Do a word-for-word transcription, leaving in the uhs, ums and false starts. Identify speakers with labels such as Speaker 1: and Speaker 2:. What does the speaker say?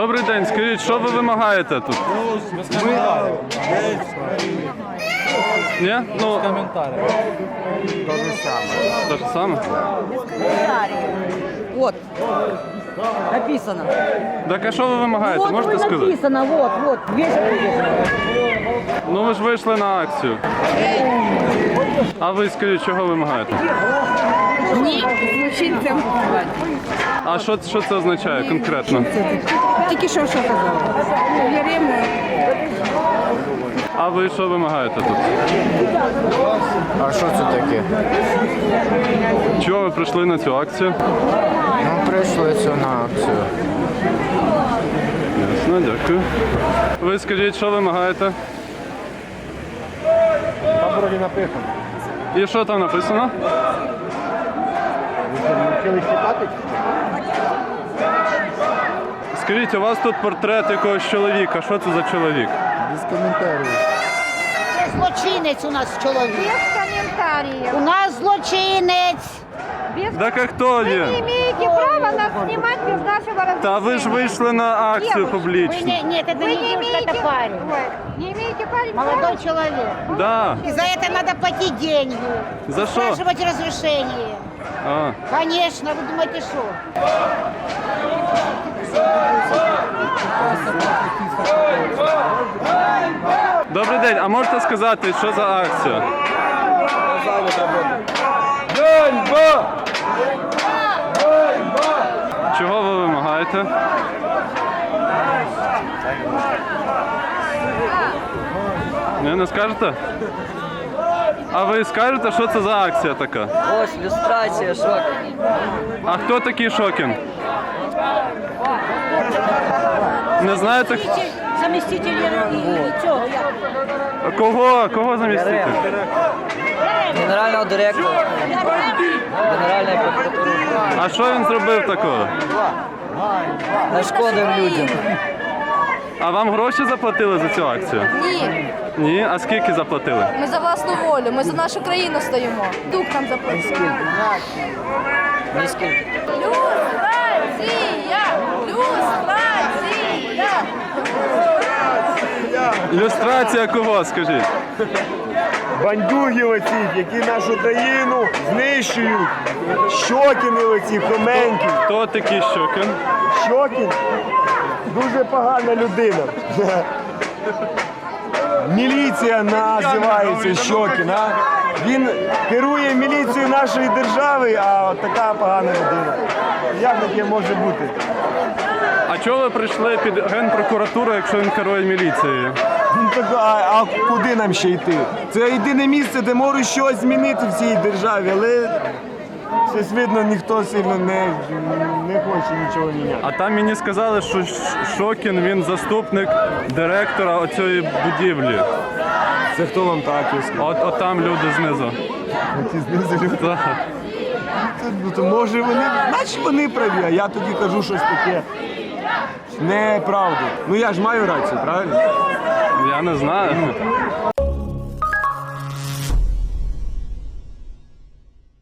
Speaker 1: Добрий день, скажіть, що ви вимагаєте тут? Ні? Ну,
Speaker 2: Комментарий.
Speaker 1: те ж саме.
Speaker 3: Вот. Написано.
Speaker 1: Так а що ви вимагаєте,
Speaker 3: Вот
Speaker 1: можете
Speaker 3: вот
Speaker 1: сказати?
Speaker 3: написано, вот, вот. Весит написано.
Speaker 1: Ну ви ж вийшли на акцію. А ви скажіть, чого вимагаєте?
Speaker 4: Ні, злочинцям.
Speaker 1: А що, що це означає конкретно?
Speaker 4: Тільки що що казали? Віримо.
Speaker 1: А ви що вимагаєте тут?
Speaker 2: А що це таке?
Speaker 1: Чого ви прийшли на цю акцію?
Speaker 2: Ну, прийшли це на акцію.
Speaker 1: Ясно, дякую. Ви скажіть, що вимагаєте?
Speaker 5: Там вроді написано.
Speaker 1: І що там написано?
Speaker 5: Ви вчили читати?
Speaker 1: Скажіть, у вас тут портрет якогось чоловіка. Що це за чоловік?
Speaker 5: Без коментарів.
Speaker 6: Злочинець у нас чоловік.
Speaker 4: Без комментариев.
Speaker 6: У нас злочинець.
Speaker 4: Без...
Speaker 1: Так а хто
Speaker 4: Вы не
Speaker 1: він?
Speaker 4: имеете права нас снимать без нашего разрешения.
Speaker 1: Та ви ж вийшли на акцію
Speaker 4: Девушка,
Speaker 6: Ви
Speaker 1: публічну.
Speaker 6: не, нет, это
Speaker 4: Вы
Speaker 6: не
Speaker 4: не
Speaker 6: девушка,
Speaker 4: имеете...
Speaker 6: это парень.
Speaker 4: Ой, не имеете права.
Speaker 6: Молодой человек.
Speaker 1: Да.
Speaker 6: И за это надо платить деньги.
Speaker 1: За що?
Speaker 6: Спрашивать разрешение.
Speaker 1: А.
Speaker 6: Конечно, вы думаете, что?
Speaker 1: Добрий день, а можете сказати, що за акція? Чого ви вимагаєте? Не, не скажете? А ви скажете, що це за акція така?
Speaker 3: Ось, люстрація, шок.
Speaker 1: А хто такий Шокін? Не знаєте?
Speaker 6: Заместитель цього.
Speaker 1: А Кого? Кого замістити?
Speaker 3: Генерального директора. Генеральної прокуратури.
Speaker 1: А що він зробив такого?
Speaker 3: Нашкодив людям.
Speaker 1: А вам гроші заплатили за цю акцію?
Speaker 7: Ні,
Speaker 1: Ні? А скільки заплатили?
Speaker 7: ми за власну волю, ми за нашу країну стоїмо. Дух нам заплатив.
Speaker 3: Ні скільки.
Speaker 7: Люстрація! Люстрація!
Speaker 1: Ілюстрація кого, скажіть?
Speaker 5: Бандюги оці, які нашу країну знищують. Щокіни оці, Хоменки.
Speaker 1: Хто такий Щокін?
Speaker 5: Щокін дуже погана людина. Міліція називається Щокін, а? Він керує міліцією нашої держави, а от така погана людина. Як таке може бути?
Speaker 1: А чого ви прийшли під Генпрокуратуру, якщо він керує міліцією?
Speaker 5: Він так, а, а куди нам ще йти? Це єдине місце, де можуть щось змінити в цій державі, але щось видно, ніхто сильно не, не хоче нічого міняти.
Speaker 1: А там мені сказали, що Ш- Шокін, він заступник директора оцієї будівлі.
Speaker 5: Це хто вам так сказав?
Speaker 1: От, от там люди знизу.
Speaker 5: Ті знизу люди.
Speaker 1: Так.
Speaker 5: Ну, то може вони, значить вони праві, а я тоді кажу щось таке неправду. Ну я ж маю рацію, правильно?
Speaker 1: Я не знаю.